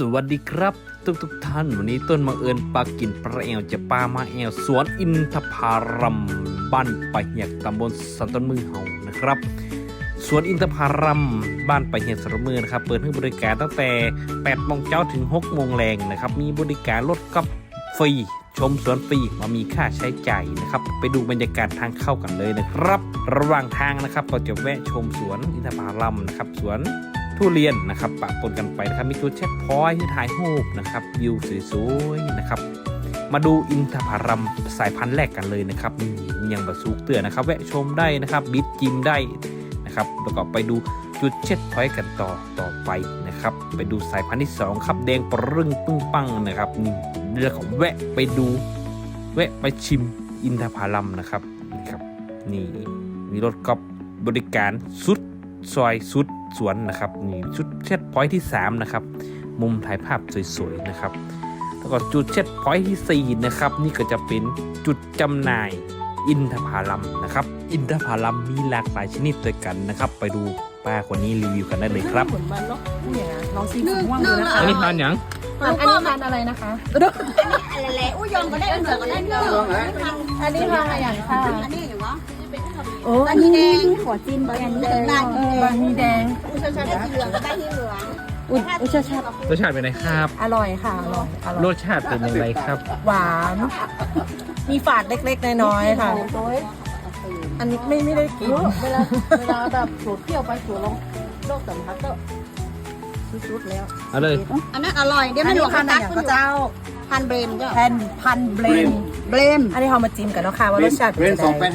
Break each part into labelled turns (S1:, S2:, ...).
S1: วัสดีครับทุกท่านวันนี้ต้นมาเอิญปลากินปลาแอวจะปลามาแอวสวนอินทผลัมบ้านปะเหียกตำบลสันต้นมือเฮานะครับสวนอินทผลัมบ้านปะเหียกสันต้นมือนะครับเปิดให้บริการตั้งแต่8 โมงเช้าถึง6 โมงแรงนะครับมีบริการรถกอล์ฟฟรีชมสวนฟรีมามีค่าใช้จ่ายนะครับไปดูบรรยากาศทางเข้ากันเลยนะครับระหว่างทางนะครับเราจะแวะชมสวนอินทผลัมนะครับสวนทุเรียนนะครับปะปนกันไปนะครับมีจุดเช็คพอยต์ที่ถ่ายรูปนะครับวิวสวยๆนะครับมาดูอินทผลัมสายพันธุ์แรกกันเลยนะครับนี่ยังบะซุกเตือนนะครับแวะชมได้นะครับบิดจิมได้นะครับแล้วก็ไปดูจุดเช็คพอยต์กันต่อไปนะครับไปดูสายพันธุ์ที่2ครับแดงปรึ้งปึ้งปังนะครับนี่เรื่องของแวะไปชิมอินทผลัมนะครับนี่ครับนี่มีรถกอล์ฟบริการสุดซอยสุดสวนนะครับนี่จุดเช็ดพอยต์ที่3นะครับมุมถ่ายภาพสวยๆนะครับแล้วก็จุดเช็ดพอยต์ที่4นะครับนี่ก็จะเป็นจุดจำหน่ายอินทผลัมนะครับอินทผลัมมีหลากหลายชนิดด้วยกันนะครับไปดูป้าคนนี้รีวิวกันได้เลยครับ
S2: เหมือนมันเนาะนี่นะลองชิมสีม่วงดูนะคะ
S1: อันนี้ทานยัง
S2: อันนี้ทานอะไรนะคะ
S3: อะไรแหละอุ้ยยองก็ได้เหมือนกันได้เนอะ
S2: อันนี้ทานอะไรอย่างค่ะ
S3: อันนี้อยู่วะ
S2: โอ้
S3: อันนี้แดงขอจิ้มอันนี้แดง
S2: บะหมี่แดง
S3: อุ้ยชาได้ที่เหลืองก็ได้ที่เหลือง
S2: อุ้ยชาชาร
S1: สชาติเป็นไงครับ
S2: อร่อยค่ะอร่อย
S1: รสชาติเป็นยังไงครับ
S2: หวาน มีฝาดเล็กๆน้อยๆค่ะ อันนี้ไม่ได้กิน
S4: เวลาแบบโผล่เที่ยวไปโผล่ลงโลกสัมผัสก็สุดๆแล้ว
S1: เอาเลย
S3: อันนั้นอร่อยเดี๋ยวไม่หลวง
S2: พั
S3: พั
S2: น
S3: น
S2: อะ
S3: ตั
S2: ไร
S3: ก
S2: อย่าง
S3: คุ
S2: ก็
S3: ณ
S2: เจ้า
S3: พันเบรมเจ้า
S2: พันเบลน
S3: เบรม
S2: อันนี้เรามาจิ้มกันเนาะค่ะว่ารสชาติ
S5: เรน
S2: เป็นยังไง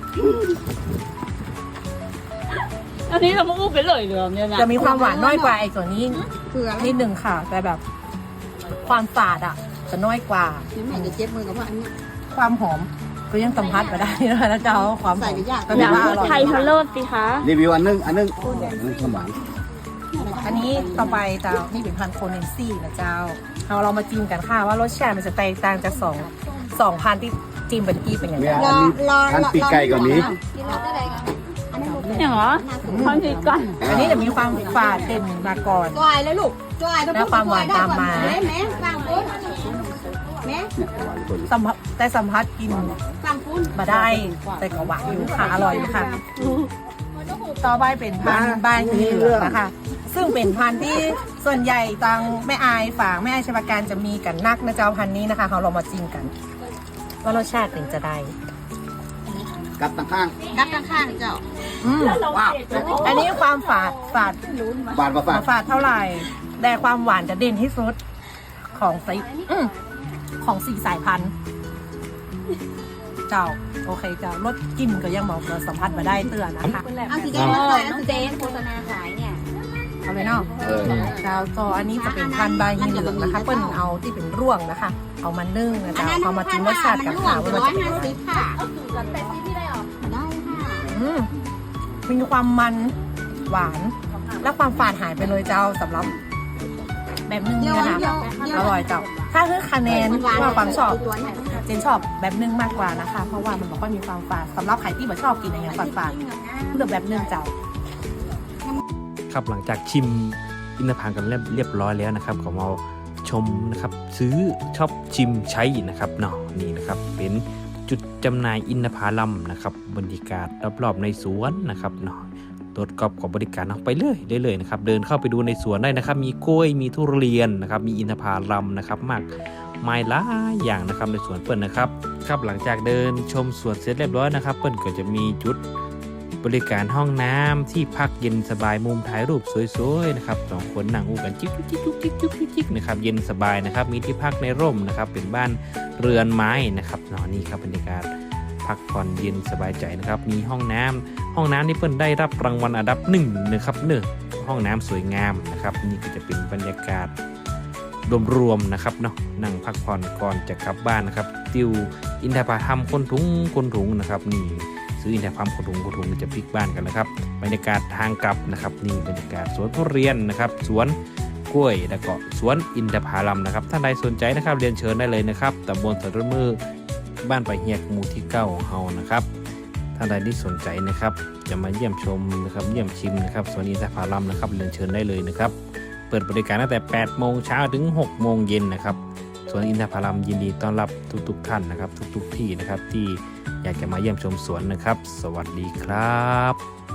S4: อันนี้เราไม่พูดไปเลยเรื่องเนี่ยนะ
S2: จะมีความหวานน้อยกว่าไอ้ส่วนนี้
S3: เกลือ
S2: นิดหนึ่งค่ะ แต่แบบความฝาดอ่ะจะน้อยกว่า
S3: นี่แม่จะเจ็บมือกับว่าอันนี้
S2: ความหอมก็ยังสัมผัสมาได้นะคะนะเจ้าความห
S3: ใส่
S2: อม
S3: ไปยาก
S2: ก็แบบว่าอร่อย
S4: ไทยฮัลโหลสิคะ
S5: รีวิวอันนึงสมาน
S2: อันนี้ต่อไปเจ้านี่เป็นพันธุ์โคเนนซี่นะเจ้าเรามาจิ้มกันค่ะว่ารสชาติมันจะแตกต่างจากสองพันธุ์ที่จิ้มเป็นกี้เป็นอย่างไร
S5: อันนี้อันปีกไก่ก่อนนี้
S4: อย่างเหรอพันทีก่อน
S2: อันนี้จะมีความฝาดเด่นมาก่อน
S3: จอยเลยลูกจอย
S2: แล้วความหวานตามมา
S3: แม่ฟังปุ้นแม่
S2: แต่สัมผัสกิน
S3: ฟังปุ้น
S2: มาได้แต่ก็หวานอยู่ค่ะอร่อยอยู่ค่ะต่อไปเป็นพันธุ์บ้านคือเหลืองนะคะซึ่งเป็นพันธุ์ที่ส่วนใหญ่ตังแม่อายฝางแม่อายชาวการจะมีกันนักนะเจ้าพันธุ์นี้นะคะเรามาจิ้มกันว่ารสชาติเป็นจะได้
S5: กับตั้งข้าง
S3: ดับข้างๆเจ้า
S5: ว้าว
S2: อันนี้ความฝาด
S5: บาทมาฝาก
S2: ฝาดเท่าไหร่แต่ความหวานจะเด่นที่สุดของของสี่สายพันธุ์เจ้าโอเคเจ้ารสจิ้มก็ยังบอกเราสัมผัสมาได้เตือนนะคะ
S3: เอาสีแดงมาใส่เอาสีแดงโฆษณาขายเนี่ย
S2: เอาเลยเนาะเจ้าจออันนี้จะเป็นพันธุ์ใบยีเหลืองนะคะเปิ้ลเอาที่เป็นร่วงนะคะ เอามานึ่งนะ
S3: อัน
S2: เจ้า
S3: นั้น
S2: เอามาจิ้มรสชาติกับ
S3: มัน
S2: ข้าว
S3: ร่ว
S2: ว่าง มันจะเป็นยังไง
S3: 150ค่ะได้ค่ะ
S2: มีความมันหวาน และความฝาดหายไปเลยเจ้าสำหรับแบบนึ่งนี่นะคะอร่อยเจ้าถ้าคือคะแนนว่าความชอบเจนชอบแบบนึ่งมากกว่านะคะ เพราะว่ามันบอกว่ามีความฝาดสำหรับใครที่แบบชอบกินอะไรอย่างฝาดๆเลือกแบบนึ่งเจ้า
S1: ครับหลังจากชิมอินทผลัมกันเรียบร้อยแล้วนะครับก็มาชมนะครับซื้อชอบชิมใช้นะครับเนาะนี่นะครับเป็นจุดจำหน่ายอินทผลัมนะครับบรรยากาศรอบๆในสวนนะครับเนาะรถกอล์ฟของบริการเอาไปเลยนะครับเดินเข้าไปดูในสวนได้นะครับมีกล้วยมีทุเรียนนะครับมีอินทผลัมนะครับมากมายหลายอย่างนะครับในสวนเปิ้ลนะครับครับหลังจากเดินชมสวนเสร็จเรียบร้อยนะครับเปิ้ลก็จะมีจุดบริการห้องน้ำที่พักเย็นสบายมุมถ่ายรูปสวยๆนะครับ2 คนนั่งอู้กันจิ๊กนะครับเย็นสบายนะครับมีที่พักในร่มนะครับเป็นบ้านเรือนไม้นะครับนี่ครับบรรยากาศพักผ่อนเย็นสบายใจนะครับมีห้องน้ำนี่เพิ่นได้รับรางวัลอันดับ1นะครับห้องน้ำสวยงามนะครับนี่ก็จะเป็นบรรยากาศรวมๆนะครับเนาะนั่งพักผ่อนก่อนจะกลับบ้านนะครับติวอินทผลัมคนถุงนะครับนี่ซื้ออินทผลัมคนถุงจะพลิกบ้านกันนะครับบรรยากาศทางกลับนะครับนี่บรรยากาศสวนทุเรียนนะครับสวนกล้วยแล้วก็สวนอินทผลัมนะครับท่านใดสนใจนะครับเรียนเชิญได้เลยนะครับตำบลสันต้นมือบ้านปะเหียกหมู่ที่9ของเฮานะครับท่านใดที่สนใจนะครับจะมาเยี่ยมชมนะครับเยี่ยมชิมนะครับสวนอินทผลัมนะครับเรียนเชิญได้เลยนะครับเปิดบริการตั้งแต่ 8 โมงเช้าถึง 6 โมงเย็นนะครับสวนอินทผลัมยินดีต้อนรับทุกท่านนะครับ ทุกที่นะครับที่อยากจะมาเยี่ยมชมสวนนะครับ สวัสดีครับ